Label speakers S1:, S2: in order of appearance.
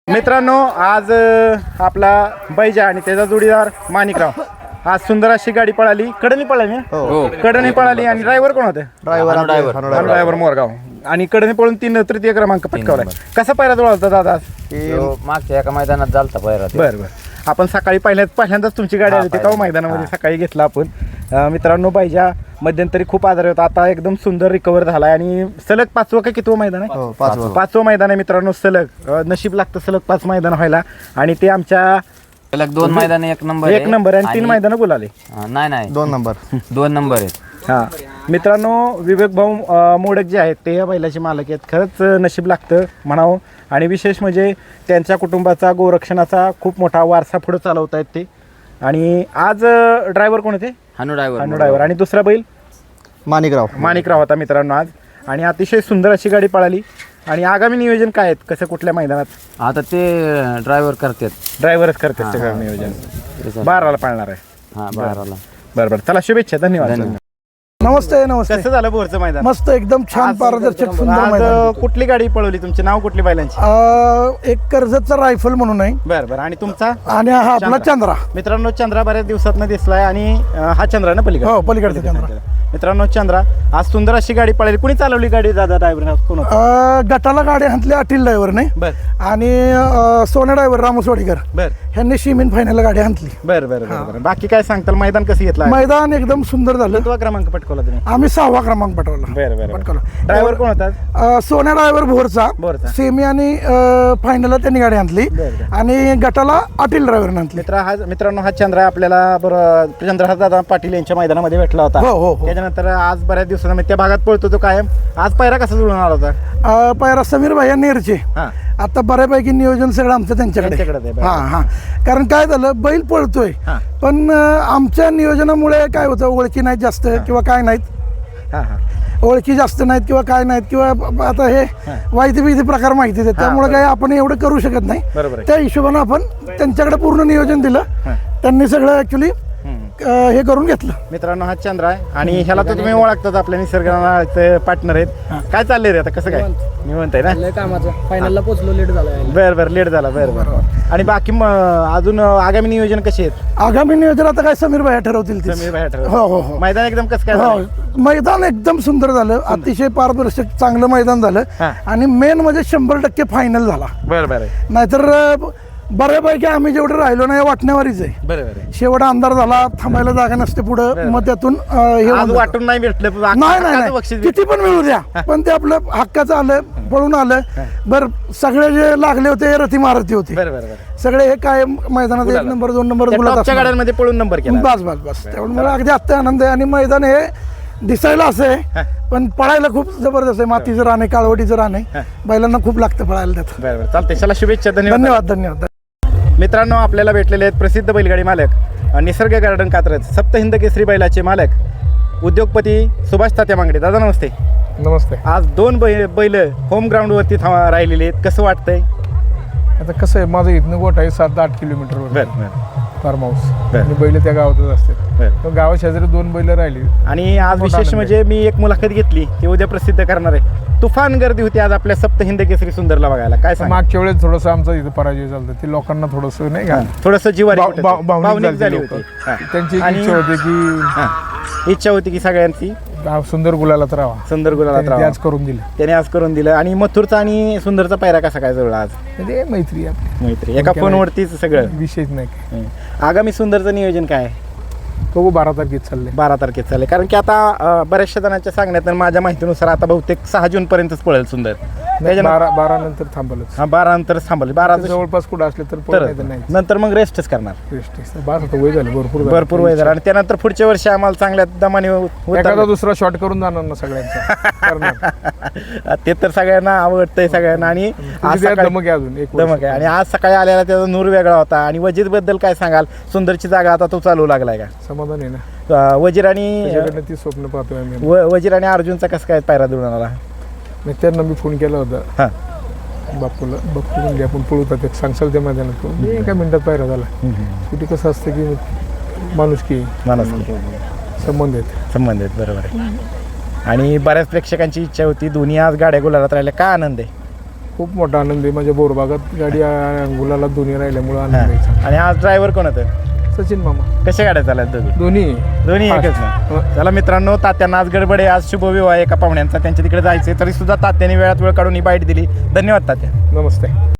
S1: मित्रांनो आज आपला बैजा आणि त्याचा जोडीदार माणिकराव आज सुंदर अशी गाडी पळाली. कडनी पळाली कडनी पळाली आणि ड्रायव्हर कोण होते? ड्रायव्हर मोरगाव. आणि कडनी पळून 3 तृतीय क्रमांक पटकावलाय. कसा पायरा जुळला होता दादा?
S2: मागच्या एका मैदानात झालता पायरा.
S1: बरं आपण सकाळी पहिल्यांदाच तुमची गाडी आली होती का मैदानामध्ये? सकाळी घेतला आपण. मित्रांनो बैजा मध्यंतरी खूप आजारी होता, आता एकदम सुंदर रिकवर झालाय आणि सलग 5वं का कितवं मैदान आहे? 5वं मैदान आहे मित्रांनो. सलग नशीब लागतं सलग 5 मैदान व्हायला. आणि ते आमच्या
S2: सलग 2 मैदान एक नंबर
S1: आणि 3 मैदान बोलाले.
S2: नाही 2 नंबर आहेत.
S1: हा मित्रांनो, विवेक भाऊ मोडक जे आहेत ते या बैलाचे मालक आहेत. खरंच नशीब लागतं म्हणावं. आणि विशेष म्हणजे त्यांच्या कुटुंबाचा गोरक्षणाचा खूप मोठा वारसा पुढे चालवत आहेत ते. आणि आज ड्रायव्हर कोण होते?
S2: हानू
S1: ड्रायव्हर. आणि दुसरा बैल माणिकराव होता मित्रांनो आज. आणि अतिशय सुंदर अशी गाडी पळाली. आणि आगामी नियोजन काय आहेत? कसं कुठल्या मैदानात?
S2: आता ते
S1: ड्रायव्हरच करतात सगळं नियोजन. 12ला पाळणार आहे.
S2: हा 12ला.
S1: बरं चला, शुभेच्छा. धन्यवाद.
S3: नमस्ते.
S1: कसं झालं बोरचं मैदान?
S3: मस्त, एकदम छान, पारदर्शक, सुंदर मैदान.
S1: कुठली गाडी पळवली? तुमचे नाव कुठली बैलांची?
S3: एक कर्जतचा रायफल म्हणून आहे.
S1: बरं आणि तुमचा?
S3: आणि हा आपला चंद्रा.
S1: मित्रांनो चंद्रा बऱ्याच दिवसात दिसलाय. आणि हा चंद्रा ना पलीकडे?
S3: हो, पलीकडचा चंद्रा.
S1: मित्रांनो चंद्रा आज सुंदर अशी गाडी पळाली. कुणी चालवली गाडी दादा? ड्रायव्हर कोण?
S3: गटाला गाडी हातली अटील ड्रायव्हरने. आणि सोन्या ड्रायव्हर रामसवाडीकर ह्यांनी शिमीन फायनल गाडी हातली.
S1: बरं बाकी काय सांगताल? मैदान कसं घेतलं?
S3: मैदान एकदम सुंदर झालं.
S1: कितवा क्रमांक पटकवला तुम्ही?
S3: आम्ही 6वा क्रमांक पटवला.
S1: बरं ड्रायव्हर कोण होता?
S3: सोन्या ड्रायव्हर भोरचा. सेमी आणि फायनलला त्यांनी गाडी हातली. आणि गटाला अटील ड्रायव्हरने हातली.
S1: मित्रांनो हा चंद्रा आपल्याला चंद्रहास दादा पाटील यांच्या मैदानामध्ये भेटला होता.
S3: हो.
S1: त्याच्यानंतर आज बऱ्याच दिवसांनी त्या भागात पळतो तो कायम. आज पायरा कसा जुळून आला होता?
S3: पायरा समीर भाई नेरचे. आता बऱ्यापैकी नियोजन सगळं आमचं त्यांच्याकडे. हा कारण काय झालं, बैल पळतोय पण आमच्या नियोजनामुळे काय होतं, ओळखी नाहीत जास्त किंवा काय नाहीत. ओळखी जास्त नाहीत किंवा काय नाहीत किंवा आता हे वाईती प्रकार माहिती आहेत, त्यामुळे काय आपण एवढं करू शकत नाही. त्या हिशोबानं आपण त्यांच्याकडे पूर्ण नियोजन दिलं. त्यांनी सगळं ऍक्च्युली हे करून घेतलं.
S1: मित्रांनो हा चंद्र आहे. आणि ह्याला तर तुम्ही ओळखतात, आपल्या निसर्गाचे पार्टनर आहेत. काय चाललंय रे आता? कसं काय निवंत आहे ना?
S3: कामाचं फायनलला पोहोचलो, लेट झाला.
S1: बरं लेट झाला. बरं आणि बाकी अजून आगामी नियोजन कसे आहेत?
S3: आगामी नियोजन आता काय समीर भाई ठरवतील.
S1: हो. मैदान एकदम कसं काय?
S3: मैदान एकदम सुंदर झालं, अतिशय पारदर्शक चांगलं मैदान झालं. आणि मेन म्हणजे 100% फायनल झाला.
S1: बरं
S3: नाहीतर बऱ्यापैकी आम्ही जेवढं राहिलो नाही वाटण्यावरीच आहे.
S1: बरं
S3: शेवट अंधार झाला, थांबायला जागा नसते पुढं. मग त्यातून
S1: वाटून नाही भेटलं.
S3: नाही किती पण मिळू द्या, पण ते आपलं हक्काचं आलं, पळून आलं. बरं सगळे जे लागले होते रथी महारथी होते. सगळे हे काय मैदानात 1 नंबर 2 नंबर
S1: गाड्यांमध्ये पळून नंबर केला.
S3: बस त्यामुळे मला अगदी अत्यंत आनंद आहे. आणि मैदान हे दिसायला असं आहे पण पळायला खूप जबरदस्त आहे. मातीचं रान आहे, काळवटीचं रान आहे. बैलांना खूप लागतं पळायला त्यात.
S1: बरं चालतंय. चला शुभेच्छा.
S3: धन्यवाद.
S1: मित्रांनो आपल्याला भेटलेले आहेत प्रसिद्ध बैलगाडी मालक निसर्ग गार्डन कात्रज सप्तहिंद केसरी बैलाचे मालक उद्योगपती सुभाष तात्या मांगडे. दादा नमस्ते. आज 2 बैल होम ग्राउंड वरती राहिलेले आहेत. कसं वाटतंय?
S4: आता कसं आहे, माझं इथनं गोठ आहे 7-8 किलोमीटर फार्म हाऊस. आणि बैल त्या गावातच असते. गावा शेजारी 2 बैल राहिली.
S1: आणि आज विशेष म्हणजे मी एक मुलाखत घेतली, ती उद्या प्रसिद्ध करणार आहे. तुफान गर्दी होती आज आपल्या सप्तहिंद केसरी सुंदरला बघायला. काय सांग?
S4: मागच्या वेळेस थोडंसं आमचा इथं पराजय झाला, ते लोकांना थोडंसं नाही का,
S1: थोडंसं जिवारी
S4: भावनिक झाली होती. त्यांची
S1: इच्छा होती की सगळ्यांची
S4: सुंदर गुलालात राहावा.
S1: त्याने आज करून दिलं. आणि मथुरचा आणि सुंदरचा पायरा कसा काय जुळला आज? मैत्री एका फोनवरतीच सगळं,
S4: विशेष नाही.
S1: आगामी सुंदरचं नियोजन काय आहे?
S4: बघू 12 तारखेत चालले.
S1: कारण की आता बऱ्याचशा जणांच्या सांगण्यात माझ्या माहितीनुसार आता बहुतेक 6 जून पर्यंतच पळेल सुंदर.
S4: 12 नंतर थांबल.
S1: 12 नंतर थांबल. 12
S4: जवळपास कुठं असले तर
S1: नंतर मग रेस्टच करणार.
S4: वय झालं
S1: भरपूर वय झालं. आणि त्यानंतर पुढच्या वर्षी आम्हाला चांगल्या दमाने
S4: एखादा दुसरा शॉट करून जाणार ना सगळ्यांचा.
S1: ते तर सगळ्यांना आवडतंय सगळ्यांना. आणि
S4: धमक आहे.
S1: आणि आज सकाळी आलेला त्याचा नूर वेगळा होता. आणि वजीर बद्दल काय सांगाल? सुंदरची जागा आता तो चालू लागलाय का?
S4: समाधान आहे ना.
S1: वजीर आणि
S4: ती स्वप्न पाहतोय.
S1: वजीर आणि अर्जुनचा कसं काय पायरा जुळून आला?
S4: त्यांना मी फोन केला होता बापूला, बघून आपण पळूतात सांगसाल त्या मैदानात. एका मिनिटात पायरा झाला. शेवटी कसं असतं की माणुसकी संबंध आहेत.
S1: बरोबर आहे. आणि बऱ्याच प्रेक्षकांची इच्छा होती, दोन्ही आज गाड्या गुलालात राहिल्या. काय आनंद आहे?
S4: खूप मोठा आनंद आहे. माझ्या बोरबागात गाडी गुलाला दोन्ही राहिल्यामुळे आनंद आहे.
S1: आणि आज ड्रायव्हर कोण होतं?
S4: सचिन मामा.
S1: कशा गाड्या चालत
S4: दोन्ही
S1: एकच ना. चला मित्रांनो, तात्यांना आज गडबड आहे, आज शुभविवाह एका पाहुण्यांचा, त्यांच्या तिकडे जायचे तरी सुद्धा तात्यांनी वेळात वेळ काढून ही बाईट दिली. धन्यवाद तात्या.
S4: नमस्ते.